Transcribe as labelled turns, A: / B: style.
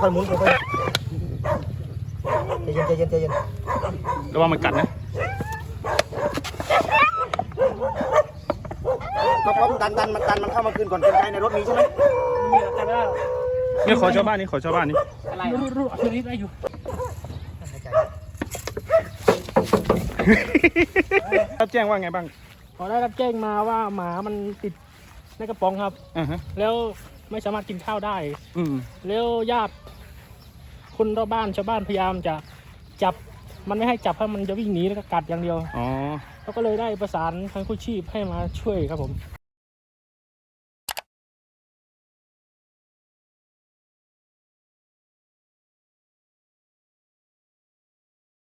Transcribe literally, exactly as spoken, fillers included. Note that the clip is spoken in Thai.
A: ค่อยๆหมุนค่อยๆใจเย็นใจเย็นใจเย็น
B: ระวังมันกัดนะ
A: ก็พร้อมดันดันมันดันมันเข้ามาคืนก่อนเป็นไงในรถมีใช่ไหม
C: มีแต่ว่า
B: นี่ขอชาวบ้านนี่ขอชาวบ้านนี่
C: อะไรรู้รู้ตัวนี้ได้อยู่
B: รับแจ้งว่าไงบ้าง
C: พอได้รับแจ้งมาว่าหมามันติดในกระป๋องครับ
B: อ่าฮะ
C: แล้วไม่สามารถกินข้าวได้
B: อืม
C: แล้วญาติคนรอบบ้านชาวบ้านพยายามจะจับมันไม่ให้จับเพราะมันจะวิ่งหนีแล้วก็กัดอย่างเดียว
B: อ๋อ
C: เขาก็เลยได้ประสานทางกู้ชีพให้มาช่วยครับผม